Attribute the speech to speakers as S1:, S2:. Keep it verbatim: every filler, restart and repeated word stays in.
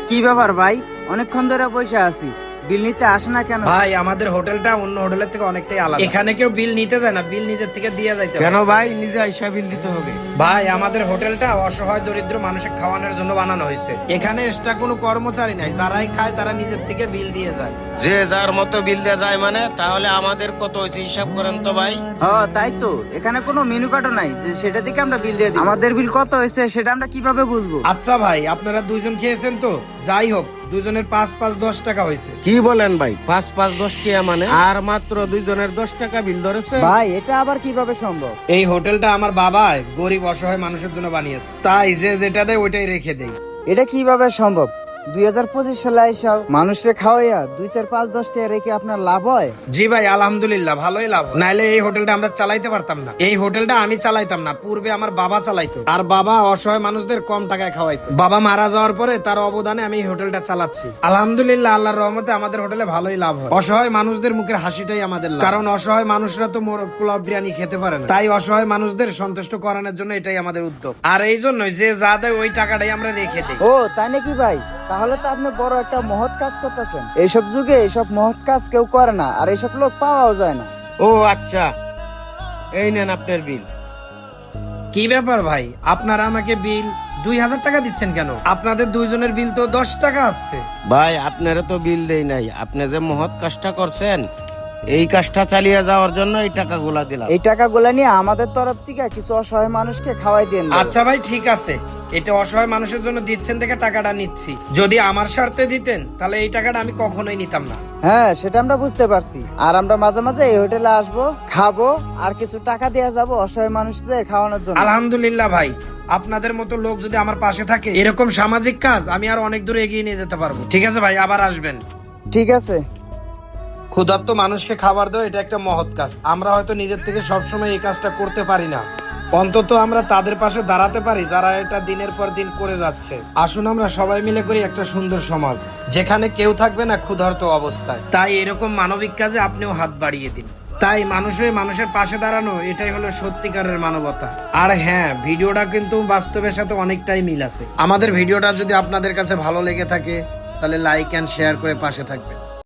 S1: কি ব্যাপার ভাই, অনেকক্ষণ ধরে বসে আছি, বিল নিতে আসে না কেন?
S2: ভাই আমাদের হোটেলটা অন্য হোটেলের থেকে অনেকটাই আলাদা। এখানে কেউ বিল নিতে যায় না, বিল নিজের থেকে দিয়ে যাইতে হয়।
S3: কেন ভাই, নিজে আইসা বিল দিতে হবে?
S2: ভাই আমাদের হোটেলটা অসহায় দরিদ্র মানুষের খাওয়ানোর জন্য বানানো হয়েছে। এখানে এক্সট্রা কোনো কর্মচারী নাই, যারাই খায় তারা নিজের থেকে বিল দিয়ে যায়।
S3: যে যার মতো বিল দেওয়া যায় মানে, তাহলে আমাদের কত হয়েছে হিসাব করেন তো ভাই।
S1: হ্যাঁ তাই তো, এখানে কোনো মেনু কার্ডও নাই যে সেটা থেকে আমরা বিল দিয়ে দিই। আমাদের বিল কত হয়েছে সেটা আমরা কিভাবে বুঝবো?
S2: আচ্ছা ভাই, আপনারা দুইজন খেয়েছেন তো, যাই হোক দুজনের পাঁচ পাঁচ দশ টাকা হয়েছে।
S3: কি বলেন ভাই, পাঁচ পাঁচ দশ টাকা মানে? আর মাত্র দুইজনের দশ টাকা বিল ধরেছে
S1: ভাই এটা আবার কিভাবে সম্ভব?
S2: এই হোটেলটা আমার বাবা গরিব অসহায় মানুষের জন্য বানিয়েছে, তাই যে যেটা দেয় ওইটাই রেখে দেয়।
S1: এটা কিভাবে সম্ভব? দুই হাজার পঁচিশ সালে এসব মানুষের খাওয়াইয়া দুই চার পাঁচ দশ টাকা রেখে আপনার লাভ হয়?
S2: জি ভাই আলহামদুলিল্লাহ ভালোই লাভ হয়। নাইলে এই হোটেলটা আমরা চালাইতে পারতাম না। এই হোটেলটা আমি চালাইতাম না, পূর্বে আমার বাবা চালাইতো, আর বাবা অসহায় মানুষদের কম টাকায় খাওয়াইতো। বাবা মারা যাওয়ার পরে তার অবদানে আমি এই হোটেলটা চালাচ্ছি। আলহামদুলিল্লাহ আল্লাহর রহমতে আমাদের হোটেলে ভালোই লাভ হয়। অসহায় মানুষদের মুখের হাসিটাই আমাদের লাভ, কারণ অসহায় মানুষরা তো পোলাও বিরিয়ানি খেতে পারে না, তাই অসহায় মানুষদের সন্তুষ্ট করানোর জন্য এটাই আমাদের উদ্যোগ। আর এই জন্যই যে যা দেয় ওই টাকাটাই আমরা রেখে দিই।
S1: ও তাই নাকি ভাই, তাহলে তো আপনি বড় একটা মহৎ কাজ করতেছেন। এইসব যুগে এইসব মহৎ কাজ কেউ করে না, আর এইসব লোক পাওয়াও যায় না।
S3: ও আচ্ছা, এই নেন আপনার বিল।
S2: কি ব্যাপার ভাই, আপনারা আমাকে বিল দুই হাজার টাকা দিচ্ছেন কেন? আপনাদের দুইজনের বিল তো দশ টাকা আছে।
S3: ভাই আপনারা তো বিল দেই নাই, আপনি যে মহৎ কাজটা করছেন এই কাজটা চালিয়ে যাওয়ার জন্য এই টাকাগুলা দিলাম।
S1: এই টাকাগুলা নিয়ে আমাদের তরফ থেকে কিছু অসহায় মানুষকে খাওয়াই দেন।
S2: আচ্ছা ভাই ঠিক আছে, এটা অসহায় মানুষের জন্য দিচ্ছেন দেখে টাকাটা নিচ্ছি। যদি আমার স্বার্থে দিতেন তাহলে এই টাকাটা আমি কখনোই নিতাম না।
S1: হ্যাঁ সেটা আমরা বুঝতে পারছি, আর আমরা মাঝে মাঝে এই হোটেলে আসবো, খাবো, আর কিছু টাকা দেওয়া যাবো অসহায় মানুষদের খাওয়ানোর জন্য।
S2: আলহামদুলিল্লাহ ভাই, আপনাদের মতো লোক যদি আমার পাশে থাকে, এরকম সামাজিক কাজ আমি আর অনেক দূরে এগিয়ে নিয়ে যেতে পারবো। ঠিক আছে ভাই, আবার আসবেন।
S1: ঠিক আছে।
S2: ক্ষুধার্ত মানুষকে খাবার দেওয়া এটা একটা মহৎ কাজ। আমরা হয়তো নিজের থেকে সবসময় এই কাজটা করতে পারি না, অন্তত আমরা তাদের পাশে দাঁড়াতে পারি যারা এটা দিনের পর দিন করে যাচ্ছে। আসুন আমরা সবাই মিলে করি একটা সুন্দর সমাজ, যেখানে কেউ থাকবে না ক্ষুধার্ত অবস্থায়। তাই এরকম মানবিক কাজে আপনিও হাত বাড়িয়ে দিন। তাই মানুষ হয়ে মানুষের পাশে দাঁড়ানো, এটাই হলো সত্যিকারের মানবতা। আর হ্যাঁ, ভিডিওটা কিন্তু বাস্তবের সাথে অনেকটাই মিল আছে। আমাদের ভিডিওটা যদি আপনাদের কাছে ভালো লেগে থাকে তাহলে লাইক এন্ড শেয়ার করে পাশে থাকবেন।